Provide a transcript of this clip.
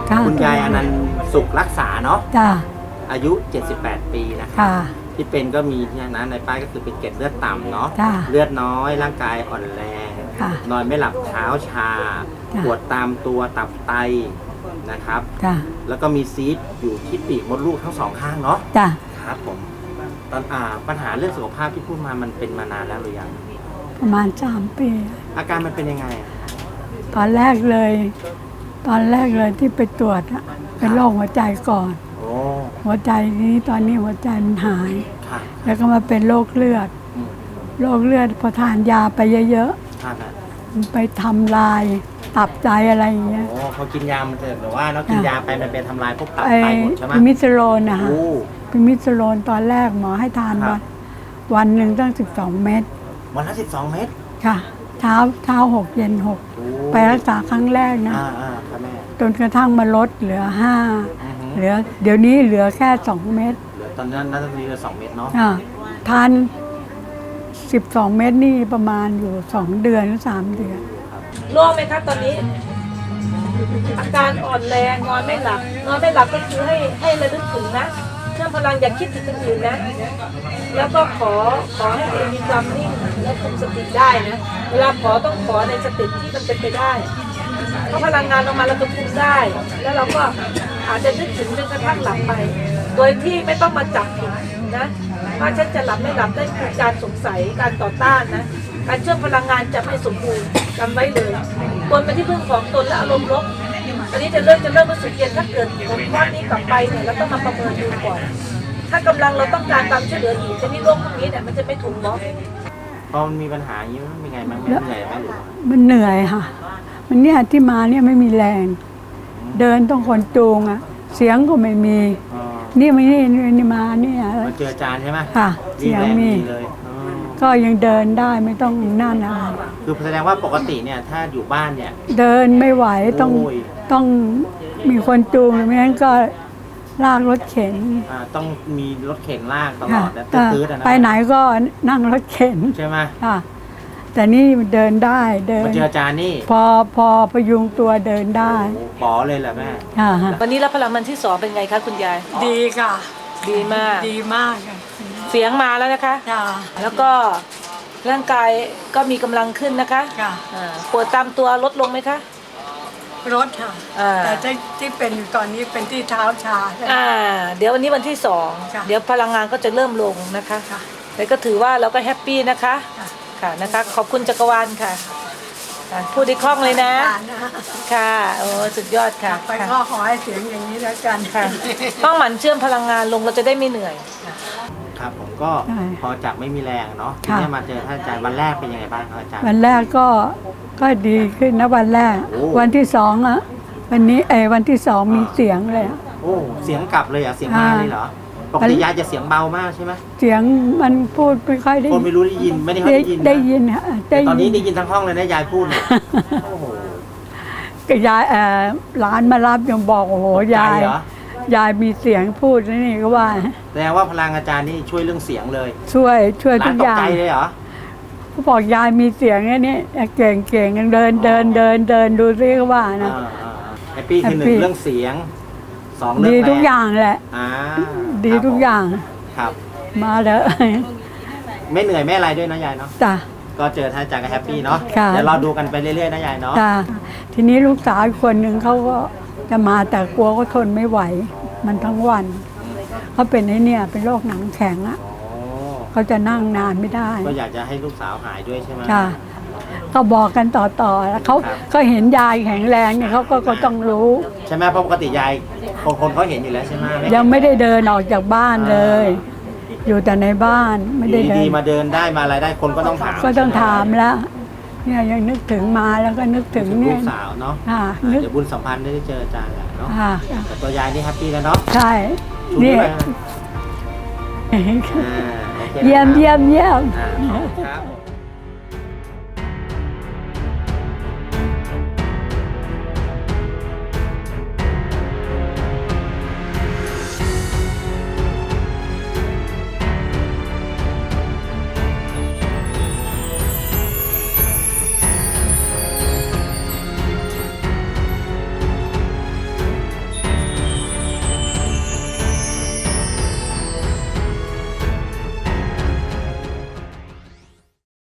คุณยายอนันต์สุขรักษาเนาะจ้าอายุ 78 ปีนะคะค่ะที่เป็นก็มีที่นั้นในป้ายก็คือเป็นเกล็ดเลือดต่ำเนาะจ้าเลือดน้อยร่างกายอ่อนแรงค่ะนอนไม่หลับเท้าชาจ้ะปวดตามตัวตับไตนะครับจ้าแล้วก็มีซีสต์อยู่ที่ปีกมดลูกทั้งสองข้างเนาะจ้าครับผมตอนปัญหาเรื่องสุขภาพที่พูดมามันเป็นมานานแล้วหรือยังประมาณ3 ปีอาการมันเป็นยังไงอะตอนแรกเลยที่ไปตรวจอะเป็นโรคหัวใจก่อนโอ้หัวใจนี้ตอนนี้หัวใจมันหายค่ะแล้วก็มาเป็นโรคเลือดอืมโรคเลือดพอทานยาไปเยอะครับอะๆมันไปทำลายตับไตอะไรอย่างเงี้ยโอ้พอกินยามันจะแบบว่าเนาะกินยาไปมันเป็นทำลายพวกตับไอ้ไตหมดใช่ไหมพิมิสโลนนะคะโอ้พิมิสโลนตอนแรกหมอให้ทานครับวันหนึ่งตั้ง12 เม็ดวันละ12 เม็ดค่ะ เช้า6 เย็นโอ้ 6 ไปรักษาครั้งแรกนะครับแม่จนกระทั่งมาลดเหลืออือฮึ 5เหลือเดี๋ยวนี้เหลือแค่ 2 เม็ดเหลือตอนนั้นน่าจะมีเหลือ2 เม็ดเนาะทาน12 เม็ดนี่ประมาณอยู่2 เดือนหรือ3 เดือนโล่งไหมคะตอนนี้ อาการอ่อนแรงนอนไม่หลับก็คือให้ระลึกถึงนะเชื่อมพลังอย่าคิดถึงคนอื่นนะ แล้วก็ขอให้ตัวเองมีความนิ่งและคุมสติได้นะเวลาขอต้องขอในสติที่มันเป็นไปได้เพราะพลังงานออกมาเราจะคุมได้ แล้วเราก็อาจจะนึกถึงจนกระทั่งหลับไป โดยที่ไม่ต้องมาจับผิดนะว่าฉันจะหลับไม่หลับได้คือการสงสัยการต่อต้านนะการเชื่อมพลังงานจะไม่สมบูรณ์จำไว้เลยตนเป็นที่พึ่งของตนและอารมณ์ลบตอนนี้จะเริ่มรู้สึกเย็นถ้าเกิดผลข้อนี้กลับไปเนี่ยเราต้องมาประเมินดูก่อน ถ้ากำลังเราต้องการความช่วยเหลืออีกชนิดโรคพวกนี้เนี่ยมันจะไม่ถูกบล็อกพอมันมีปัญหาอย่างนี้มันเป็นไงบ้างแม่เหนื่อยไหมหรือว่ามันเหนื่อยค่ะ มันเนี่ยที่มาเนี่ยไม่มีแรง เดินต้องคนจูงอะเสียงก็ไม่มีอ๋อนี่มาเนี่ยมาเจออาจารย์ใช่ไหมค่ะรีเสีบยงแรงมีดีเลยอ๋อก็ยังเดินได้ไม่ต้องนั่นอะไรคือแสดงว่าปกติเนี่ยถ้าอยู่บ้านเนี่ยเดินไม่ไหวต้องโอ้ยต้องมีคนจูงไม่งั้นก็ลากรถเข็นต้องมีรถเข็นลากตลค่ะอดนะตื้อๆนะไปไหนก็นั่งรถเข็นใช่ไหมค่ะ แต่นี่เดินได้เดินมาเจออาจารย์นี่พอพยุงตัวเดินได้โอ้ป๋อเลยแหละแม่ค่ะวันนี้รับพลังมันที่2เป็นไงคะคุณยายดีค่ะดีมากดีมากค่ะเสียงมาแล้วนะคะจ้าแล้วก็ร่างกายก็มีกำลังขึ้นนะคะค่ะปวดตามตัวลดลงไหมคะรถค่ะอ่าแต่ที่เป็นอยู่ตอนนี้เป็นที่เท้าชาใช่ไหมเดี๋ยววันนี้วันที่ค่ะ 2เดี๋ยวพลังงานก็จะเริ่มลงนะคะค่ะแต่ก็ถือว่าเราก็แฮปปี้นะคะค่ะค่ะนะคะ ขอบคุณจักรวาลค่ะพูดได้คล่องเลยนะ ค่ะโอ้สุดยอดค่ะไปก็ขอให้เสียงอย่างนี้แล้วกันค่ะต้องหมั่นเชื่อมพลังงานลงเราจะได้ไม่เหนื่อยครับผมก็ใช่พอจากไม่มีแรงเนาะทีค่ะนี้มาเจอท่านอาจารย์วันแรกเป็นยังไงบ้างครับอาจารย์วันแรกก็ดีขึ้นนะวันแรกโอ้วันที่2อ่ะวันนี้วันที่2มีเสียงเลยอะโอ้เสียงกลับเลยเหรอ่ะเสียงมาเลยเหรอปกติยายจะเสียงเบามากใช่ไหมเสียงมันพูดไม่ค่อยได้คนไม่รู้ได้ยินไม่ได้ค่อยได้ยินนะได้ยินฮะแต่ตอนนี้ได้ยินทั้งห้องเลยนะยายพูดเนี่ยโอ้โหก็ยายร้านมารับยังบอกโอ้โหตกใจยายเหรอยายมีเสียงพูดนี่ก็ว่าแสดงว่าพลังอาจารย์นี่ช่วยเรื่องเสียงเลยช่วยทุร้านกตอก ย่างใจเลยเหรอเขาบอกยายมีเสียงไอ้นี่เก่งยังเดินดูซิก็ว่านะแฮปปี้คือหนึ่แฮปปี้งเรื่องเสียงสองเรื่องดีแรงทุกอย่างแหละอ่าดีทุกอย่างครับมาเลยไม่เหนื่อยไม่อะไรด้วยนะยายเนาะจ้ะก็เจอท่านอาจารย์ก็แฮปปี้เนาะค่ะเดี๋ยวเราดูกันไปเรื่อยๆนะยายเนาะจ้ะทีนี้ลูกสาวอีกคนหนึ่งเขาก็จะมาแต่กลัวเขาทนไม่ไหว มันทั้งวันเขาเป็นไอ้เนี่ยเป็นโรคหนังแข็งอะอ๋อเขาจะนั่งนานไม่ได้ก็อยากจะให้ลูกสาวหายด้วยใช่ไหมจ้ะก็บอกกันต่อแล้วเขาครับก็เห็นยายแข็งแรงเนี่ยเขาก็ต้องรู้ใช่ไหมเพราะปกติยายคนเขาเห็นอยู่แล้วใช่ไหมยังไม่ได้เดินออกจากบ้านเลย อยู่แต่ในบ้านไม่ได้อยู่เดิดีนๆมาเดินได้มาอะไรได้คนก็ต้องถามก็ต้องถามแล้วเนี่ยยังนึกถึงมาแล้วก็นึกถึงถึงเนี่ลูยกสาวเนาะนึกเดี๋ยวบุญสัมพันธ์ได้เจออาจารย์แหละเนาะค่ะแต่ตัวยายนี่แฮปปี้แล้วเนาะใช่ชูนี่ด้วยนะโอคเยี่ยมนะครับอ่าขอบคุณครับ